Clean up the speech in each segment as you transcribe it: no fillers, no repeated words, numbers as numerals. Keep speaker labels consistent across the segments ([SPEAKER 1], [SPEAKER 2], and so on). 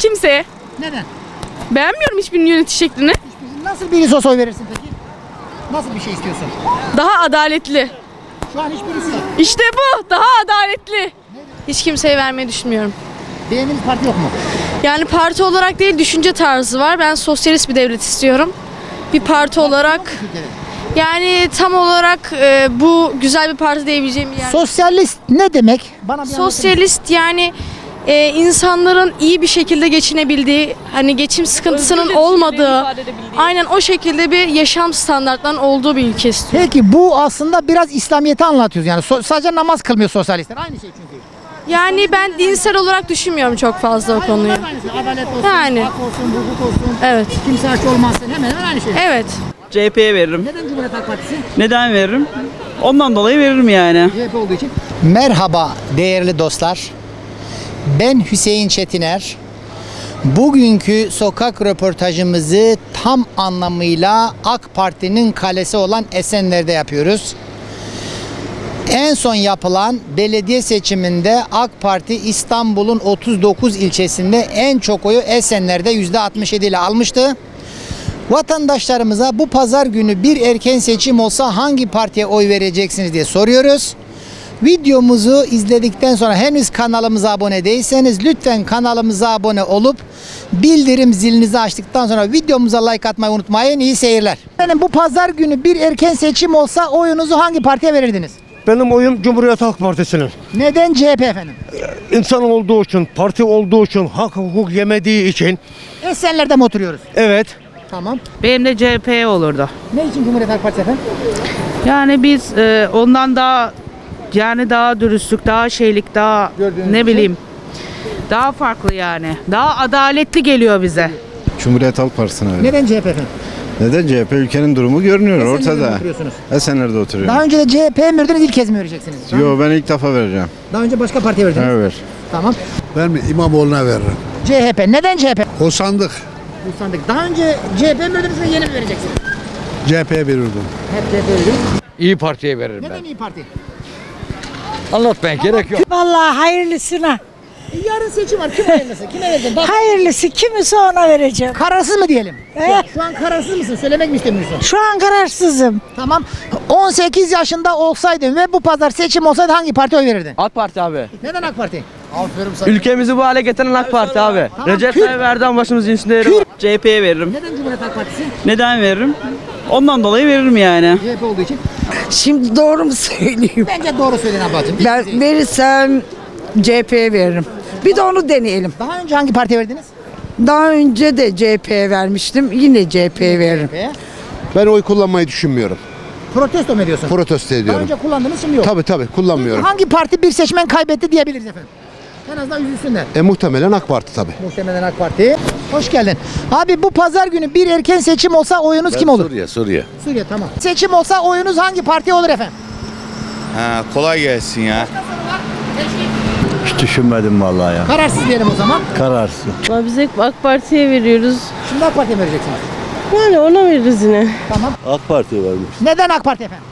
[SPEAKER 1] Kimseye.
[SPEAKER 2] Neden?
[SPEAKER 1] Beğenmiyorum hiçbirinin yönetiş şeklini.
[SPEAKER 2] Nasıl birisi olsa oy verirsin peki? Nasıl bir şey istiyorsun?
[SPEAKER 1] Daha adaletli.
[SPEAKER 2] Şu an hiçbirisi.
[SPEAKER 1] İşte bu. Daha adaletli. Hiç kimseye vermeyi düşünmüyorum.
[SPEAKER 2] Beğendiğiniz parti yok mu?
[SPEAKER 1] Yani parti olarak değil, düşünce tarzı var. Ben sosyalist bir devlet istiyorum. Bir parti olarak yani tam olarak bu güzel bir parti diyebileceğim bir yer.
[SPEAKER 2] Sosyalist ne demek? Bana bir anlatır mısın?
[SPEAKER 1] Sosyalist yani insanların iyi bir şekilde geçinebildiği, hani geçim sıkıntısının olmadığı, aynen o şekilde bir yaşam standartlarının olduğu bir ülke istiyorum.
[SPEAKER 2] Peki bu aslında biraz İslamiyet'i anlatıyoruz yani. Sadece namaz kılmıyor sosyalistler. Aynı şey çünkü.
[SPEAKER 1] Yani ben dinsel olarak düşünmüyorum çok fazla o konuyu.
[SPEAKER 2] Onlar da aynı şey. Adalet olsun,
[SPEAKER 1] Yani.
[SPEAKER 2] hak olsun, hukuk olsun.
[SPEAKER 1] Evet.
[SPEAKER 2] Kimse aç olmasın. Hemen hemen aynı şey.
[SPEAKER 1] Evet.
[SPEAKER 3] CHP'ye veririm.
[SPEAKER 2] Neden Cumhuriyet Halk Partisi?
[SPEAKER 3] Neden veririm? Ondan dolayı veririm yani.
[SPEAKER 2] CHP olduğu için. Merhaba değerli dostlar. Ben Hüseyin Çetiner. Bugünkü sokak röportajımızı tam anlamıyla AK Parti'nin kalesi olan Esenler'de yapıyoruz. En son yapılan belediye seçiminde AK Parti İstanbul'un 39 ilçesinde en çok oyu Esenler'de %67 ile almıştı. Vatandaşlarımıza bu pazar günü bir erken seçim olsa hangi partiye oy vereceksiniz diye soruyoruz. Videomuzu izledikten sonra henüz kanalımıza abone değilseniz lütfen kanalımıza abone olup bildirim zilinizi açtıktan sonra videomuza like atmayı unutmayın. İyi seyirler. Efendim bu pazar günü bir erken seçim olsa oyunuzu hangi partiye verirdiniz?
[SPEAKER 4] Benim oyum Cumhuriyet Halk Partisi'nin.
[SPEAKER 2] Neden CHP efendim?
[SPEAKER 4] İnsan olduğu için, parti olduğu için, hak hukuk yemediği için.
[SPEAKER 2] Esenler'de mi oturuyoruz?
[SPEAKER 4] Evet.
[SPEAKER 2] Tamam.
[SPEAKER 5] Benim de CHP olurdu.
[SPEAKER 2] Ne için Cumhuriyet Halk Partisi efendim?
[SPEAKER 5] Yani biz ondan daha yani daha dürüstlük, daha şeylik, daha
[SPEAKER 2] Gördüğünüz
[SPEAKER 5] ne
[SPEAKER 2] gibi.
[SPEAKER 5] bileyim. Daha farklı yani. Daha adaletli geliyor bize.
[SPEAKER 6] Cumhuriyet Halk Partisi'ne verin.
[SPEAKER 2] Neden CHP efendim?
[SPEAKER 6] Neden? CHP ülkenin durumu görünüyor
[SPEAKER 2] Esenler'de mi
[SPEAKER 6] ortada.
[SPEAKER 2] oturuyorsunuz?
[SPEAKER 6] Esenler'de oturuyorum.
[SPEAKER 2] Daha önce de CHP'ye mi verdiniz, ilk kez mi vereceksiniz?
[SPEAKER 6] Yo, ben ilk defa vereceğim.
[SPEAKER 2] Daha önce başka partiye verdiniz.
[SPEAKER 6] Evet.
[SPEAKER 2] Tamam.
[SPEAKER 7] Ben mi İmamoğlu'na veririm.
[SPEAKER 2] CHP. Neden CHP?
[SPEAKER 7] O sandık
[SPEAKER 2] Bu sandık. Daha önce CHP mi verdiniz ve yeni mi vereceksiniz?
[SPEAKER 7] CHP'ye verirdim.
[SPEAKER 2] Hep CHP verdiniz.
[SPEAKER 8] İyi Parti'ye veririm
[SPEAKER 2] Neden İyi Parti?
[SPEAKER 8] Anlatmaya gerek yok.
[SPEAKER 9] Vallahi hayırlısına.
[SPEAKER 2] Yarın seçim var. Kim hayırlısı? Kime vereceksin? Bak,
[SPEAKER 9] Hayırlısı kimse ona vereceğim.
[SPEAKER 2] kararsız mı diyelim?
[SPEAKER 9] Evet.
[SPEAKER 2] Şu an kararsız mısın? Söylemek mi istemiyorsun?
[SPEAKER 9] Şu an kararsızım.
[SPEAKER 2] Tamam. 18 yaşında olsaydın ve bu pazar seçim olsaydı hangi partiye oy verirdin?
[SPEAKER 8] AK Parti abi.
[SPEAKER 2] Neden AK Parti?
[SPEAKER 8] Ülkemizi bu hale getiren AK Parti abi.
[SPEAKER 2] Tamam,
[SPEAKER 8] Recep
[SPEAKER 2] Kürt-
[SPEAKER 8] Tayyip Erdoğan başımızın üstünde yeri var.
[SPEAKER 3] CHP'ye veririm.
[SPEAKER 2] Neden Cumhuriyet Halk Partisi?
[SPEAKER 3] Neden veririm? Ondan dolayı veririm yani.
[SPEAKER 2] CHP olduğu için.
[SPEAKER 9] Şimdi doğru mu söyleyeyim?
[SPEAKER 2] Bence doğru söyleyin ablacığım.
[SPEAKER 9] Ben verirsem CHP'ye veririm. Bir de onu deneyelim.
[SPEAKER 2] Daha önce hangi partiye verdiniz?
[SPEAKER 9] Daha önce de CHP'ye vermiştim. Yine CHP'ye veririm.
[SPEAKER 2] CHP'ye.
[SPEAKER 7] Ben oy kullanmayı düşünmüyorum.
[SPEAKER 2] Protesto mu ediyorsun?
[SPEAKER 7] Protesto
[SPEAKER 2] Daha
[SPEAKER 7] ediyorum.
[SPEAKER 2] önce kullandınız, şimdi yok.
[SPEAKER 7] Tabii kullanmıyorum.
[SPEAKER 2] Hangi parti bir seçmen kaybetti diyebiliriz efendim? En azından üzülsünler.
[SPEAKER 7] Muhtemelen AK Parti tabii.
[SPEAKER 2] Muhtemelen AK Parti. Hoş geldin. Abi bu pazar günü bir erken seçim olsa oyunuz kim olur?
[SPEAKER 6] Suriye.
[SPEAKER 2] Suriye, tamam. Seçim olsa oyunuz hangi partiye olur efendim?
[SPEAKER 6] Ha, kolay gelsin ya.
[SPEAKER 4] Hiç düşünmedim vallahi ya.
[SPEAKER 2] Kararsız diyelim o zaman.
[SPEAKER 4] Kararsız.
[SPEAKER 1] Biz hep AK Parti'ye veriyoruz.
[SPEAKER 2] Şimdi AK Parti'ye mi vereceksiniz?
[SPEAKER 1] Yani ona veririz yine.
[SPEAKER 2] Tamam.
[SPEAKER 4] AK Parti'ye vermiş.
[SPEAKER 2] Neden AK Parti efendim?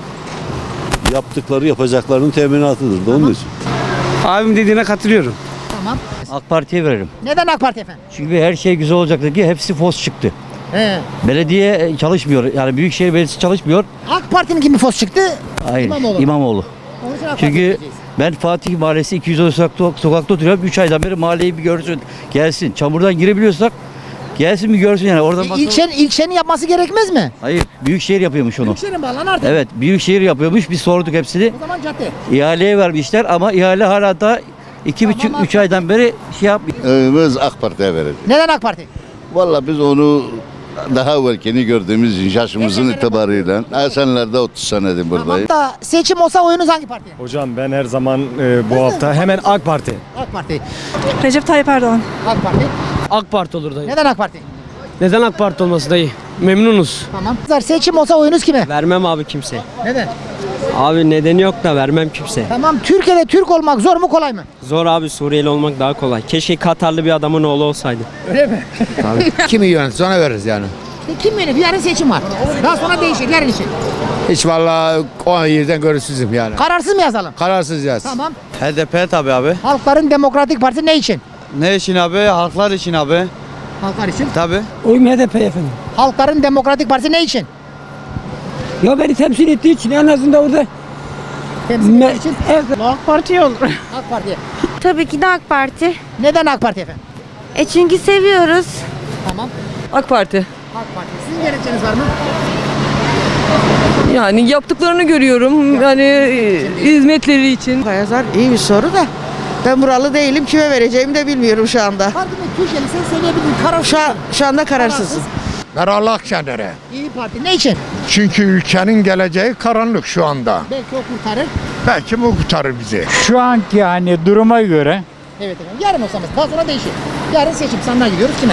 [SPEAKER 4] Yaptıkları yapacaklarının teminatıdır da onun için.
[SPEAKER 8] Abim dediğine katılıyorum.
[SPEAKER 2] Tamam.
[SPEAKER 4] AK Parti'ye veririm.
[SPEAKER 2] Neden AK Parti efendim?
[SPEAKER 4] Çünkü her şey güzel olacaktı ki hepsi fos çıktı.
[SPEAKER 2] He.
[SPEAKER 4] Belediye çalışmıyor. Yani Büyükşehir Belediyesi çalışmıyor.
[SPEAKER 2] AK Parti'nin kimi fos çıktı?
[SPEAKER 4] Hayır.
[SPEAKER 2] İmamoğlu.
[SPEAKER 4] İmamoğlu.
[SPEAKER 2] Onun için AK Parti'ye
[SPEAKER 4] Çünkü
[SPEAKER 2] vereceğiz.
[SPEAKER 4] ben Fatih Mahallesi 210 sokakta oturuyorum. 3 aydan beri mahalleyi bir görsün. Gelsin. Çamurdan girebiliyorsak gelsin bir görsün yani. Oradan
[SPEAKER 2] İlçenin yapması gerekmez mi?
[SPEAKER 4] Hayır. Büyükşehir yapıyormuş onu.
[SPEAKER 2] Büyükşehir'in bağlan artık.
[SPEAKER 4] Evet. Büyükşehir yapıyormuş. Biz sorduk hepsini.
[SPEAKER 2] O zaman cadde.
[SPEAKER 4] İhaleye vermişler ama ihale hala da 2,5-3 aydan beri şey yapmıyor.
[SPEAKER 6] Biz AK Parti'ye vereceğiz.
[SPEAKER 2] Neden AK Parti?
[SPEAKER 6] Valla biz onu daha evvelkeni gördüğümüz yaşımızın
[SPEAKER 2] Esenler'de
[SPEAKER 6] itibarıyla Esenler'de 30 senedir buradayım.
[SPEAKER 2] Da seçim olsa oyunuz hangi partiye?
[SPEAKER 4] Hocam ben her zaman bu hafta hemen AK Parti.
[SPEAKER 2] AK Parti.
[SPEAKER 1] Recep Tayyip Erdoğan.
[SPEAKER 2] AK Parti.
[SPEAKER 8] AK Parti olur dayı.
[SPEAKER 2] Neden AK Parti?
[SPEAKER 8] Neden AK Parti olması dayı? Memnunuz.
[SPEAKER 2] Tamam. Seçim olsa oyunuz kime?
[SPEAKER 8] Vermem abi kimseye.
[SPEAKER 2] Neden?
[SPEAKER 8] Abi nedeni yok da vermem kimseye.
[SPEAKER 2] Tamam. Türkiye'de Türk olmak zor mu kolay mı?
[SPEAKER 8] Zor abi, Suriyeli olmak daha kolay. Keşke Katarlı bir adamın oğlu olsaydı.
[SPEAKER 2] Öyle mi?
[SPEAKER 7] Kimi yönetir ona veririz yani.
[SPEAKER 2] Kim yönetiyor? Yarın seçim var. Daha sonra değişir. Yarın için.
[SPEAKER 7] Hiç vallahi o yerden görüşsüzüm yani.
[SPEAKER 2] Kararsız mı yazalım?
[SPEAKER 7] Kararsız yaz.
[SPEAKER 2] Tamam.
[SPEAKER 8] HDP tabii abi.
[SPEAKER 2] Halkların Demokratik Partisi ne için?
[SPEAKER 3] Ne için abi? Halklar için abi.
[SPEAKER 2] Halklar için.
[SPEAKER 3] Tabii.
[SPEAKER 10] Oyum HDP efendim.
[SPEAKER 2] Halkların Demokratik Partisi ne için?
[SPEAKER 10] Ya beni temsil ettiği için en azından orada
[SPEAKER 2] Temsil ettiği için.
[SPEAKER 10] evet.
[SPEAKER 5] AK Parti olur.
[SPEAKER 2] AK Parti.
[SPEAKER 1] Tabii ki de AK Parti.
[SPEAKER 2] Neden AK Parti efendim?
[SPEAKER 1] Çünkü seviyoruz.
[SPEAKER 2] Tamam.
[SPEAKER 5] AK Parti.
[SPEAKER 2] AK Parti. Sizin gerekçeniz var mı?
[SPEAKER 5] Yani yaptıklarını görüyorum. Yani hizmetleri için.
[SPEAKER 9] Kayazar iyi bir soru da ben buralı değilim. Kime vereceğimi de bilmiyorum şu anda.
[SPEAKER 2] Partinin Türkiye'li sen söyleyebildiğin karar
[SPEAKER 9] Şu anda kararsızım.
[SPEAKER 7] Meral Akşener'e.
[SPEAKER 2] İyi Parti ne için?
[SPEAKER 7] Çünkü ülkenin geleceği karanlık şu anda.
[SPEAKER 2] Belki o kurtarır.
[SPEAKER 7] Belki bu kurtarır bizi.
[SPEAKER 11] Şu anki hani duruma göre
[SPEAKER 2] Evet efendim. Yarın olsa mesela. Daha sonra değişir. Yarın seçim sandığa gidiyoruz kime?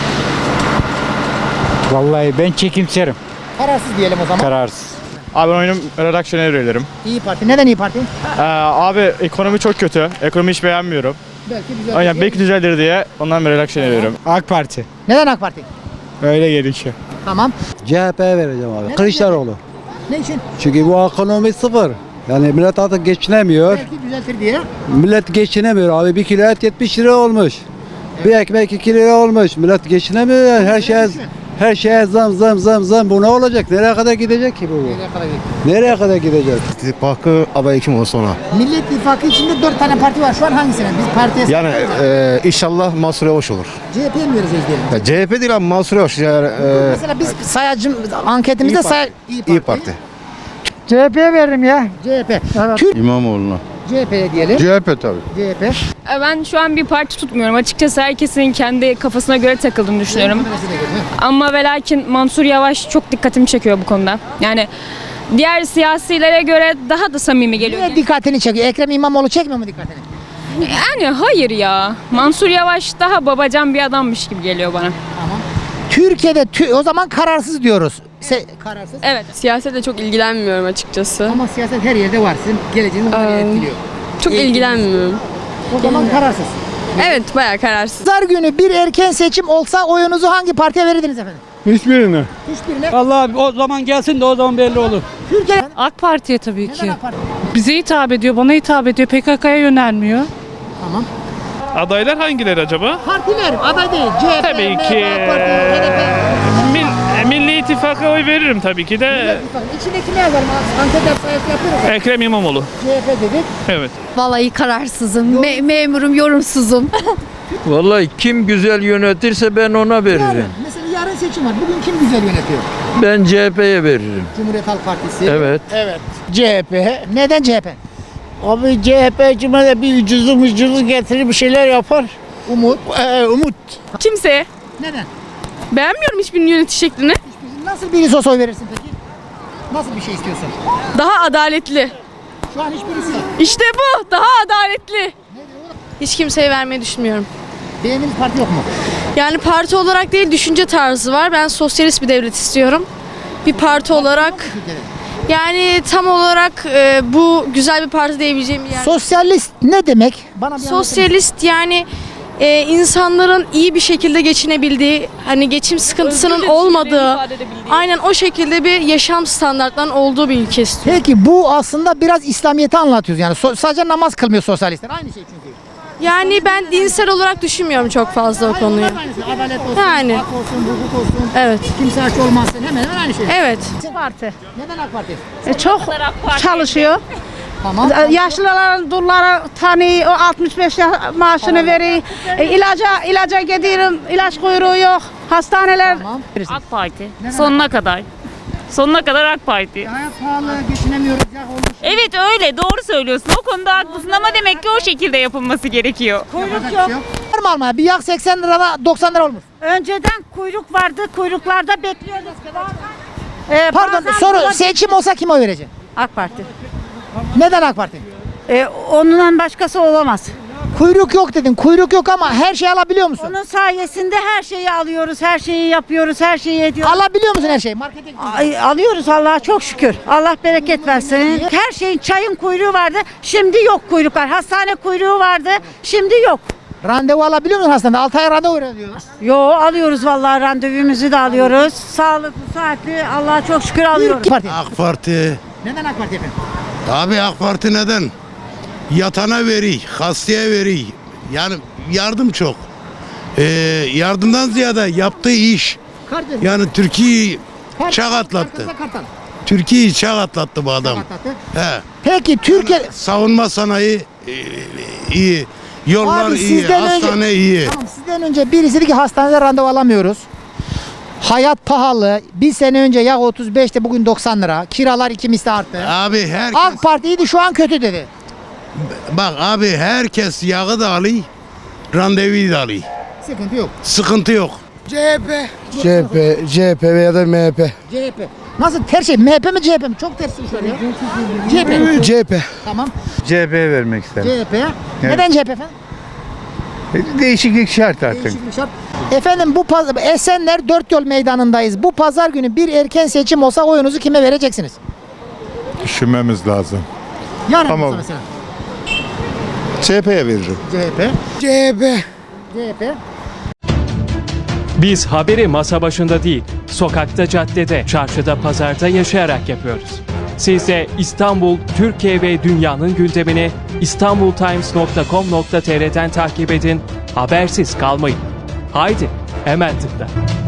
[SPEAKER 11] vallahi ben çekimserim.
[SPEAKER 2] Kararsız diyelim o zaman.
[SPEAKER 11] Kararsız.
[SPEAKER 12] Abi ben oyunum Meral Akşener'e veririm.
[SPEAKER 2] İyi Parti. Neden İyi Parti?
[SPEAKER 12] Abi ekonomi çok kötü. Ekonomi hiç beğenmiyorum.
[SPEAKER 2] Belki güzel.
[SPEAKER 12] Aynen belki düzelir diye ondan Meral Akşener'e veririm.
[SPEAKER 11] AK Parti.
[SPEAKER 2] Neden AK Parti?
[SPEAKER 11] Öyle gerekiyor.
[SPEAKER 2] Tamam.
[SPEAKER 11] CHP'ye vereceğim abi.
[SPEAKER 2] Neden
[SPEAKER 11] Kılıçdaroğlu.
[SPEAKER 2] Ne için?
[SPEAKER 11] Çünkü bu ekonomi sıfır. Yani millet artık geçinemiyor.
[SPEAKER 2] Belki düzeltir diye.
[SPEAKER 11] Millet geçinemiyor abi. Bir kilo et 70 lira olmuş. Bir ekmek 2 lira olmuş. Millet geçinemiyor yani. Her şeye zam. Bu ne olacak? Nereye kadar gidecek ki bu?
[SPEAKER 2] Nereye kadar gidiyor?
[SPEAKER 11] Nereye kadar gidecek?
[SPEAKER 7] İttifakı aday kim olsa ona.
[SPEAKER 2] Millet İttifakı içinde 4 tane parti var. Şu an hangisine? Biz partiye
[SPEAKER 7] Yani inşallah Mansur Yavaş olur.
[SPEAKER 2] CHP'ye mi vereceğiz diyelim?
[SPEAKER 7] Ya, CHP değil ama Mansur Yavaş. Yani,
[SPEAKER 2] Mesela biz sayacım anketimizde
[SPEAKER 7] İyi Parti.
[SPEAKER 2] CHP'ye veririm ya. CHP. Türk
[SPEAKER 6] İmamoğlu'na.
[SPEAKER 2] CHP'ye diyelim.
[SPEAKER 7] CHP tabii.
[SPEAKER 2] CHP.
[SPEAKER 1] Ben şu an bir parti tutmuyorum. Açıkçası herkesin kendi kafasına göre takıldığını düşünüyorum. Ama ve lakin Mansur Yavaş çok dikkatimi çekiyor bu konuda. Yani diğer siyasilere göre daha da samimi geliyor.
[SPEAKER 2] Niye dikkatini çekiyor? Ekrem İmamoğlu çekmiyor mu dikkatini?
[SPEAKER 1] Yani hayır ya. Mansur Yavaş daha babacan bir adammış gibi geliyor bana.
[SPEAKER 2] Türkiye'de o zaman kararsız diyoruz. Kararsız.
[SPEAKER 1] Evet. Siyasete çok ilgilenmiyorum açıkçası.
[SPEAKER 2] Ama siyaset her yerde var. Sizin geleceğiniz onları etkiliyor.
[SPEAKER 1] Çok ilgilenmiyorum.
[SPEAKER 2] O zaman kararsız.
[SPEAKER 1] Evet, bayağı kararsız.
[SPEAKER 2] Pazar günü bir erken seçim olsa oyunuzu hangi partiye verirdiniz efendim?
[SPEAKER 11] Hiçbirini.
[SPEAKER 2] Hiçbirine.
[SPEAKER 11] Vallahi o zaman gelsin de o zaman belli olur.
[SPEAKER 2] Türkiye.
[SPEAKER 5] AK Parti'ye tabii
[SPEAKER 2] Neden AK Parti?
[SPEAKER 5] Bize hitap ediyor, bana hitap ediyor. PKK'ya yönelmiyor.
[SPEAKER 2] Tamam.
[SPEAKER 12] Adaylar hangileri acaba?
[SPEAKER 2] Partiler, aday değil. CHP,
[SPEAKER 12] Tabii
[SPEAKER 2] MHP,
[SPEAKER 12] ki.
[SPEAKER 2] AK Parti, HDP.
[SPEAKER 12] Milli İttifak'a oy veririm tabii ki de.
[SPEAKER 2] İçindeki ne yazar? Anket sayısı yapıyoruz.
[SPEAKER 12] Ekrem İmamoğlu.
[SPEAKER 2] CHP dedik.
[SPEAKER 12] Evet.
[SPEAKER 1] Vallahi kararsızım. Memurum, yorumsuzum.
[SPEAKER 11] Vallahi kim güzel yönetirse ben ona veririm.
[SPEAKER 2] Mesela yarın seçim var. Bugün kim güzel yönetiyor?
[SPEAKER 11] Ben CHP'ye veririm.
[SPEAKER 2] Cumhuriyet Halk Partisi.
[SPEAKER 11] Evet.
[SPEAKER 2] CHP. Neden CHP?
[SPEAKER 9] Abi CHP cumhuriyet bir ucuzu getirir bir şeyler yapar.
[SPEAKER 2] Umut.
[SPEAKER 9] Umut.
[SPEAKER 1] Kimseye.
[SPEAKER 2] Neden?
[SPEAKER 1] Beğenmiyorum hiçbirinin yönetiş şeklini.
[SPEAKER 2] Nasıl birisi olsa oy verirsin peki? Nasıl bir şey istiyorsun?
[SPEAKER 1] Daha adaletli.
[SPEAKER 2] Şu an hiçbirisi.
[SPEAKER 1] İşte bu. Daha adaletli. Hiç kimseye vermeyi düşünmüyorum.
[SPEAKER 2] Beğendiğiniz parti yok mu?
[SPEAKER 1] Yani parti olarak değil, düşünce tarzı var. Ben sosyalist bir devlet istiyorum. Bir parti olarak yani tam olarak bu güzel bir parti diyebileceğim bir yer.
[SPEAKER 2] Sosyalist ne demek? Bana bir
[SPEAKER 1] Sosyalist yani insanların iyi bir şekilde geçinebildiği, hani geçim sıkıntısının olmadığı, aynen o şekilde bir yaşam standartlarının olduğu bir ülke istiyorum.
[SPEAKER 2] Peki bu aslında biraz İslamiyet'i anlatıyoruz yani sadece namaz kılmıyor sosyalistler aynı şey çünkü.
[SPEAKER 1] Yani ben dinsel olarak düşünmüyorum çok fazla o konuyu.
[SPEAKER 2] Adalet olsun,
[SPEAKER 1] Yani.
[SPEAKER 2] hak olsun, hukuk olsun,
[SPEAKER 1] Evet.
[SPEAKER 2] kimse aç olmasın hemen hemen aynı şey.
[SPEAKER 1] Evet.
[SPEAKER 5] Parti.
[SPEAKER 2] Neden AK Parti?
[SPEAKER 5] Çok çalışıyor.
[SPEAKER 2] Tamam.
[SPEAKER 5] Yaşlıların dulları tanıyor, o 65 maaşını veriyor. İlaca gidiyorum, ilaç kuyruğu yok. Hastaneler.
[SPEAKER 2] Tamam.
[SPEAKER 13] AK Parti.
[SPEAKER 2] Neden
[SPEAKER 13] Sonuna kadar. Sonuna kadar AK Parti.
[SPEAKER 2] Hayat pahalı, geçinemiyoruz, yak olmuş.
[SPEAKER 13] Evet öyle doğru söylüyorsun. O konuda haklısın ama demek ki o şekilde yapılması gerekiyor.
[SPEAKER 2] Kuyruk yok. Var mı almaya? Bir yak 80 lirada 90 lira olmuş.
[SPEAKER 5] Önceden kuyruk vardı, kuyruklarda bekliyorduk.
[SPEAKER 2] Pardon soru seçim olsa kime oy vereceksin?
[SPEAKER 5] AK Parti.
[SPEAKER 2] Neden AK Parti?
[SPEAKER 5] Onunla başkası olamaz.
[SPEAKER 2] Kuyruk yok dedin. Kuyruk yok ama her şeyi alabiliyor musun?
[SPEAKER 5] Onun sayesinde her şeyi alıyoruz, her şeyi yapıyoruz, her şeyi ediyoruz.
[SPEAKER 2] Alabiliyor musun her şeyi? Markete gidiyorsun.
[SPEAKER 5] Alıyoruz Allah'a çok şükür. Allah bereket versin. Her şeyin çayın kuyruğu vardı. Şimdi yok kuyruklar. Hastane kuyruğu vardı. Şimdi yok.
[SPEAKER 2] Randevu alabiliyor musun hastanede? 6 ay randevu veriyorlar.
[SPEAKER 5] Yo alıyoruz vallahi randevumuzu da alıyoruz. Sağlıklı, saatli Allah'a çok şükür alıyoruz.
[SPEAKER 2] Parti.
[SPEAKER 7] AK Parti.
[SPEAKER 2] Neden AK Parti efendim?
[SPEAKER 7] Abi AK Parti neden? Yatana veri, hastaya veri. Yani
[SPEAKER 11] yardım çok. Yardımdan ziyade yaptığı iş.
[SPEAKER 2] Kardeşim.
[SPEAKER 11] Yani Türkiye'yi çağ atlattı. Türkiye'yi çağ atlattı bu adam. He.
[SPEAKER 2] Peki Türkiye...
[SPEAKER 11] Savunma sanayi iyi. Yollar
[SPEAKER 2] Abi
[SPEAKER 11] iyi.
[SPEAKER 2] sizden önce-
[SPEAKER 11] Hastane iyi.
[SPEAKER 2] Tamam, sizden önce birisi dedi ki hastanede randevu alamıyoruz. Hayat pahalı. Bir sene önce yağ 35'te bugün 90 lira. Kiralar 2 misli arttı.
[SPEAKER 11] Abi herkes
[SPEAKER 2] AK Parti iyiydi şu an kötü dedi.
[SPEAKER 11] bak abi herkes yağı da alıyor. Randevuyu da alıyor.
[SPEAKER 2] Sıkıntı yok.
[SPEAKER 11] Sıkıntı yok.
[SPEAKER 7] CHP veya da MHP.
[SPEAKER 2] CHP. Nasıl ter şey? MHP mi CHP mi? Çok ters şu an ya. CHP mi?
[SPEAKER 7] CHP.
[SPEAKER 2] Tamam.
[SPEAKER 7] CHP'ye vermek isterim.
[SPEAKER 2] CHP. Neden CHP efendim?
[SPEAKER 7] Değişiklik şart artık.
[SPEAKER 2] Değişiklik şart. Efendim bu Esenler Dört Yol Meydanı'ndayız. Bu pazar günü bir erken seçim olsa oyunuzu kime vereceksiniz?
[SPEAKER 11] Düşünmemiz lazım.
[SPEAKER 2] Yarın
[SPEAKER 11] Tamam.
[SPEAKER 2] olsa mesela.
[SPEAKER 7] CHP'ye veririm.
[SPEAKER 2] CHP.
[SPEAKER 7] CHP.
[SPEAKER 2] CHP.
[SPEAKER 8] Biz haberi masa başında değil, sokakta, caddede, çarşıda, pazarda yaşayarak yapıyoruz. Siz de İstanbul, Türkiye ve dünyanın gündemini istanbultimes.com.tr'den takip edin, habersiz kalmayın. Haydi, hemen tıkla.